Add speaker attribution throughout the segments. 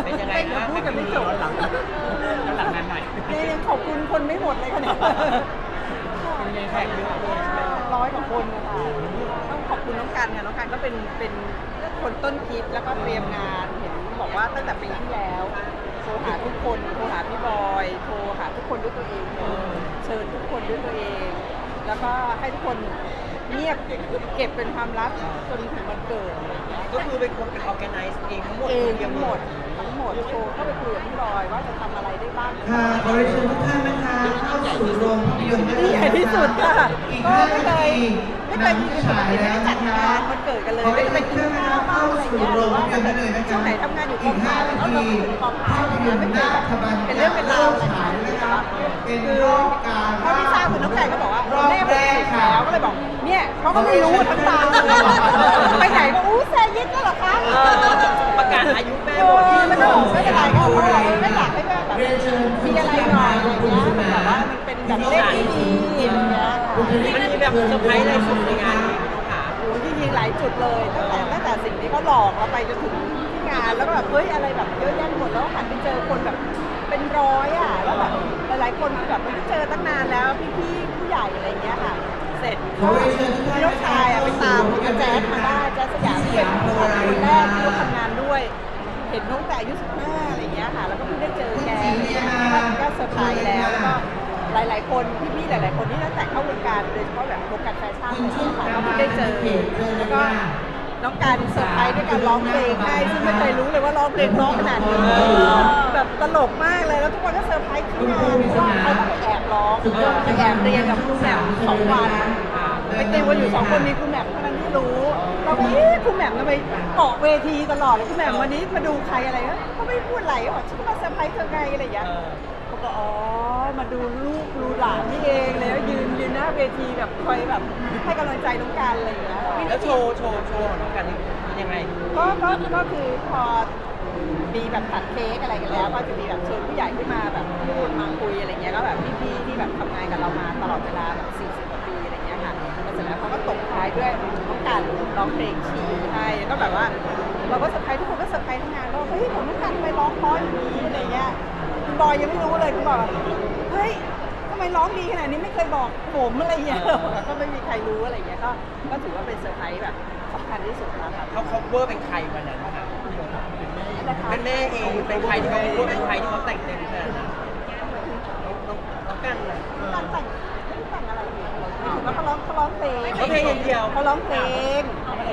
Speaker 1: เป็นยังไง
Speaker 2: เดี๋ยวพูดกันไม่จบ
Speaker 3: หลังงานใหม่
Speaker 2: ยังขอบคุณคนไม่หมดเลยค่ะเนี่ย
Speaker 3: เป็นไงแขกเยอะเลย
Speaker 2: 100 กว่าคนนะคะต้องขอบคุณน้องกันค่ะน้องกันก็เป็นคนต้นคิดแล้วก็เตรียมงานเห็นบอกว่าตั้งแต่ปีที่แล้วโทรหาทุกคนโทรหาพี่บอยโทรหาทุกคนด้วยตัวเองเชิญทุกคนด้วยตัวเอง แล้วก็ให้ทุกคนเงียบเก็บเป็นความลับจนถึงวันเกิดอะไรอย่างเงี้ย
Speaker 1: ก็คือเป็นคนเป็นออแกไนซ์เองทั้งหมด
Speaker 2: เอง
Speaker 1: คนดียว
Speaker 2: ทั้งหมดโทรเข้าไปคุยกับพี่บอยว่าจะทำอะไรได้บ้าง
Speaker 4: ค่ะขอเรียนเชิญทุกท่านนะคะเข้าสู่โรงภาพยนตร์
Speaker 2: ที่ใหญ่ที่สุดค่ะ
Speaker 4: อีก
Speaker 2: ก็
Speaker 4: 5
Speaker 2: ไม่
Speaker 4: นา
Speaker 2: เคย
Speaker 4: ที
Speaker 2: ไม่เคยมี
Speaker 4: ฉายแล้ว
Speaker 2: จัด
Speaker 4: นะ
Speaker 2: งา
Speaker 4: คะ
Speaker 2: นวันเกิดกันเลย
Speaker 4: ขอ
Speaker 2: ไม่
Speaker 4: เรียน
Speaker 2: ไป
Speaker 4: เชิญ
Speaker 2: กิน
Speaker 4: ทุกท่าน
Speaker 2: ข้าว
Speaker 4: เข้า
Speaker 2: บ้างอะไร
Speaker 4: สู่
Speaker 2: เงี้ย
Speaker 4: โร
Speaker 2: หรื
Speaker 4: ง
Speaker 2: อว่า
Speaker 4: ภาพยนตร์ได้เลยนะคะ
Speaker 2: ช่วงไหนทำงานอยู่กองถ่าย
Speaker 4: อีก
Speaker 2: แล้ว
Speaker 4: 5
Speaker 2: เรา
Speaker 4: นาที
Speaker 2: ถึงกองถ่า
Speaker 4: ภาย พยนตร์
Speaker 2: ไม่เค
Speaker 4: นาย
Speaker 2: แบบ
Speaker 4: ขบัน
Speaker 2: เป็นเรื่องเป็นราวอะไร
Speaker 4: ฉาย
Speaker 2: เงี้ย
Speaker 4: นะคะเป็น
Speaker 2: คือ
Speaker 4: รอบการ
Speaker 2: เท่าที่ทราบคือน้องไก่ก็บอกว่าร
Speaker 4: อบ
Speaker 2: แม่
Speaker 4: แรก
Speaker 2: 60
Speaker 4: ค่ะ
Speaker 2: แล้วก็เลยบอกเนี่ยเขาก็ไม่รู้ทั้งตาเลยไปไหนก็อู้แซยิดก็เหรอคะ
Speaker 1: ประกาศอายุแม่
Speaker 2: เอ
Speaker 1: หมด
Speaker 2: อแล้วก็บอกไม่เป็นไรก็เขาบอกไม่อยากให้แบบมีอะไรหน่อยอะไรเงี้ยแบบว่ามันเป็นแบบเลขที่ดีอะไรเงี้ย
Speaker 1: มันมีแบบเซอร์ไพรส์อะไรสุดในงานนี้พี่น้องขา
Speaker 2: โอ้จริงๆหลายจุดเลยตั้งแต่สิ่งที่เขาหลอกเราไปจนถึงที่งานแล้วก็แบบเฮ้ยอะไรแบบเยอะแยะหมดแล้วหันไปเจอคนแบบเป็นร้อยอ่ะแล้วแบบหลายๆคนแบบไม่ได้เจอตั้งนานแล้วพี่ๆผู้ใหญ่อะไรเงี้ยค่ะเสร็จพี่น้องชายอ่ะไปตามพี่แจ๊สมาได้แจ๊สสยามที่เป็นคนแรกที่เขาทำงานด้วย เห็นน้องแต่อายุ15อะไรเงี้ยค่ะแล้วก็เพิ่งได้เจอแกก็เซอร์ไพรส์แล้วก็หลายๆคนพี่ๆหลายๆคนที่ตั้งแต่เข้าวงการโดยเฉพาะแบบวงการแฟชั่นอะไรเงี้ยค่ะก็เพิ่งได้เจอแล้วก็น้องการเซอร์ไพรส์ด้วยการร้องเพลงให้ซึ่งไม่เคยรู้เลยว่าร้องเพลงร้องขนาดนี้แบบตลกมากเลยแล้วทุกคนก็เซอร์ไพรส์ที่งานเพราะว่าเขาก็ไปแอบร้องไปแอบเรียนกับครูแหม่ม2 วันไปติวกันอยู่2 คนมีครูแหม่มเท่านั้นที่รู้เราก็ครูแหม่มทำไมเกาะเวทีตลอดเลยครูแหม่มวันนี้มาดูใครอะไรก็ไม่พูดอะไรก็บอกฉันก็มาเซอร์ไพรส์เธอไงอะไรอย่างเงี้ยเขาก็อ๋อมาดูลูกดูหลานนี่เองแล้วยืนหน้าเวทีแบบคอยแบบให้กำลังใจน้องการอะไรอย่างเงี้ย
Speaker 1: แล้วโชว์ของน้องกันนี่ยังไง
Speaker 2: ก็คือพอมีแบบตัดเค้กอะไรกันแล้วก็จะมีแบบเชิญผู้ใหญ่ขึ้นมาแบบพูดมาคุยอะไรเงี้ยก็แบบพี่ๆที่แบบทำงานกับเรามาตลอดเวลาแบบ40 กว่าปีอะไรเงี้ยค่ะแล้วเสร็จแล้วเขาก็ตบท้ายด้วยน้องกันร้องเพลงชีให้ก็แบบว่าเราก็เซอร์ไพรส์ทุกคนก็เซอร์ไพรส์ทั้งงานว่าเฮ้ยของน้องกันทำไมร้องเพราะอย่างนี้อะไรเงี้ยคุณบอยยังไม่รู้เลยคุณบอกเฮ้ยทำไมร้องดีขนาดนี้ไม่เคยบอกผมอะไรเงี้ยก็ไม่มีใครรู้อะไรเงี้ยก็ถือว่าเป็นเซอร์ไพรส์แบบสำคัญที่สุดแล้วค่ะ
Speaker 1: เขา cover เป็นใครวันนั้นคะเป็นแม่เองเป็นใครที่เขา cover เป็นใครที่เขาแต่งเต็มขนาดนั้นน้องกันน่ะ
Speaker 2: การแต่งไม่ได้แต่งอะไรเลยแล้วเขาร้องเพลง
Speaker 1: เขาเพลงอย่างเดียว
Speaker 2: เขาร้องเพลง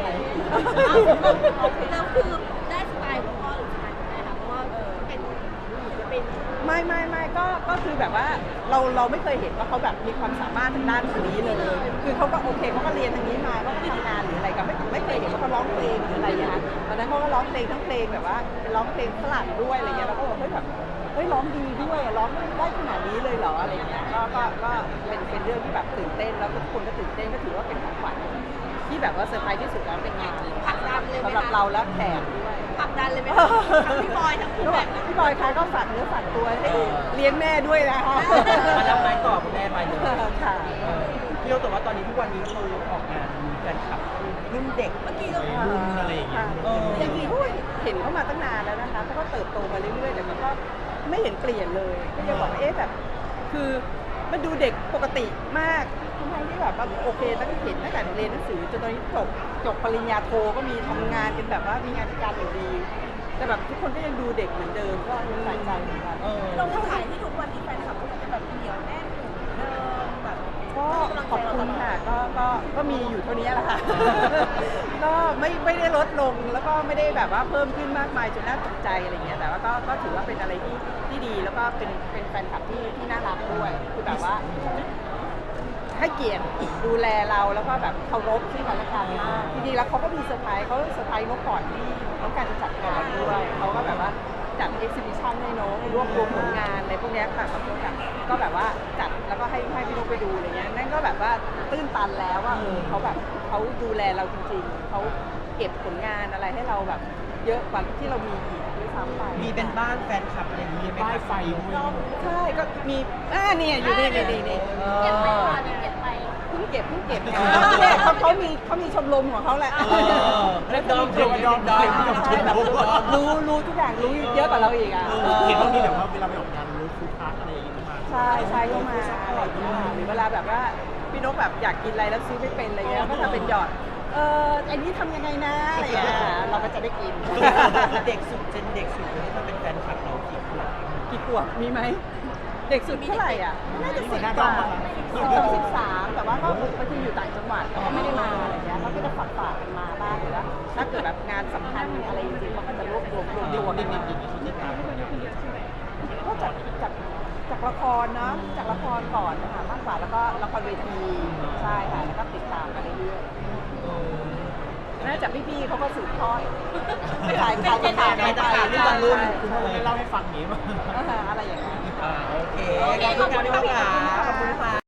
Speaker 5: แล้วคือได้สไตล์ของพ่อหรือสไตล์คุณแม่คะเพราะว่าเป็น
Speaker 2: ไม่ก็คือแบบว่าเราไม่เคยเห็นว่าเขาแบบมีความสามารถทางด้านตรงนี้เลย คือเขาก็โอเคเขาก็เรียนทางนี้มาเขาก็ทำงานหรืออะไรก็ไม่เคยเห็นว่าเขาร้องเพลงหรืออะไรอย่างเงี้ยตอนนั้นเขาก็ร้องเพลงทั้งเพลงแบบว่าเป็นร้องเพลงฝรั่งด้วยอะไรเงี้ยแล้วก็บอกเฮ้ยแบบเฮ้ยร้องดีด้วยร้องได้ขนาดนี้เลยเหรออะไรเงี้ยก็เป็นเรื่องที่แบบตื่นเต้นแล้วทุกคนก็ตื่นเต้นก็ถือว่าเป็นของขวัญที่แบบว่าเซอร์ไพรส์ที่สุดแล้วเป็นงานสำหรับเราและแขกด้วย
Speaker 5: ผลักดันเลยไหมคะทั้งพี่บอยทั้งคุณ
Speaker 2: ก็บ
Speaker 5: แบ
Speaker 2: อก
Speaker 5: บ
Speaker 2: พี่บอยคะก็ฝากเนื้อฝากตัวให้เลี้ยงแม่ด้วยนะคะ
Speaker 1: มารับไม้ต่อคุณแม่ไปเลย
Speaker 2: ค่ะ
Speaker 1: พี่โน้ตแต่ว่าตอนนี้ทุกวันนี้คือออกงานมีแฟนคลับรุ่นเด็ก
Speaker 5: เมื่อกี้เรา
Speaker 3: รุ่นอะไรอย่างเงี้ย
Speaker 2: จริงๆเห็นเขามาตั้งนานแล้วนะคะเขาก็เติบโตมาเรื่อยๆแต่มันก็ไม่เห็นเปลี่ยนเลยก็ยังบอกว่าแบบคือมันดูเด็กปกติมากทั้งที่แบบว่าโอเคตั้งเห็นตั้งแต่เรียนหนังสือจนตอนนี้จบปริญญาโทก็มีทำงานกันแบบว่ามีงานการอยู่ดี แต่แบบทุกคนก็ยังดูเด็กเหมือนเดิมก็ยังใส่ใจเหมือนกัน
Speaker 5: เราถ่ายที่ทุกวันนี้แฟนคลับก็จะแบบเหนียวแน่นเหมือนเดิมแบบ
Speaker 2: ก็ขอบคุณค่ะก็มีอยู่เท่านี้แหละค่ะ ก็ไม่ได้ลดลงแล้วก็ไม่ได้แบบว่าเพิ่มขึ้นมากมายจนน่าตกใจอะไรเงี้ยแต่ว่าก็ถือว่าเป็นอะไรที่ดีแล้วก็เป็นแฟนคลับที่น่ารักด้วยคือแบบว่าให้เกียรติดูแลเราแล้วก็แบบเคารพซึ่งกันและกันมากจริงๆแล้วเขาก็มีเซอร์ไพรส์เขาเซอร์ไพรส์นกก่อนที่น้องการจะจัดงานด้วยเขาก็แบบว่าจัดเอ็กซิบิชันให้น้องรวบรวมผลงานอะไรพวกนี้ค่ะขอโทษค่ะก็แบบว่าจัดแล้วก็ให้พี่นกไปดูอะไรเงี้ยนั่นก็แบบว่าตื้นตันแล้วว่าเขาแบบเขาดูแลเราจริงๆเขาเก็บผลงานอะไรให้เราแบบเยอะกว่าที่เรามีอีกด้วยซ้ำไป
Speaker 1: มีเป็นบ้านแฟนคลับอะไรอย่างนี้ไหม
Speaker 3: ป้าย
Speaker 1: ครับ
Speaker 3: ไฟด้วย
Speaker 2: ใช่ก็มีเนี่ยอยู่นี่
Speaker 5: เก็บไปค่ะเก็บไป
Speaker 2: คือพิ่งเก็บเนี่ยเขามีชมรมของเขาแหละ
Speaker 1: เล่นดอมดอมดอม
Speaker 2: ใช่แบบรู้ทุกอย่างรู้เยอะกว่าเราอีกอ่ะ
Speaker 3: เห็นว่ามีแบบว่าเวลาไปออกงานรู้ฟูดทักอะไรอย่างเงี้ยมา
Speaker 2: ใช่ก็มาอะไรอย่างเงี้ยหรือเวลาแบบว่าพี่นกแบบอยากกินอะไรแล้วซื้อไม่เป็นอะไรเงี้ยก็ทำเป็นหยอดอันนี้ทำยังไงนะอะไรเงี้ยเราก็จะได้กิน
Speaker 1: เด็กสุดเจนเด็กสุดที่จะเป็นแฟนคลับเรากี่ขวบ
Speaker 2: กี่ขวบมีไหมเด็กสุดเท่าไหร่อ่ะน่าจะ10 กว่า13แต่ว่าก็บางทีอยู่ต่างจังหวัดก็ไม่ได้มาอะไรเงี้ยเขาก็จะฝากกันมาบ้างหรือว่าถ้าเกิดแบบงานสำคัญอะไรจริงๆเขาก็จะรวบรวมกันมา ก็จากละครเนาะจากละครก่อนนะคะมากกว่าแล้วก็ละครเวทีใช่ค่ะแล้วก็ติดตามกันเรื่อยๆน่าจะพี่ๆเขาก็สืบทอดขายข่าวกันไปรุ่นรุ่น
Speaker 3: คุณพ่อได้เล่าให้ฟังอย่างนี้มั้ย
Speaker 2: อะไรอย่างเงี้ย
Speaker 1: โอเคขอบคุณค่ะพี่นกค่ะขอบคุณค่ะ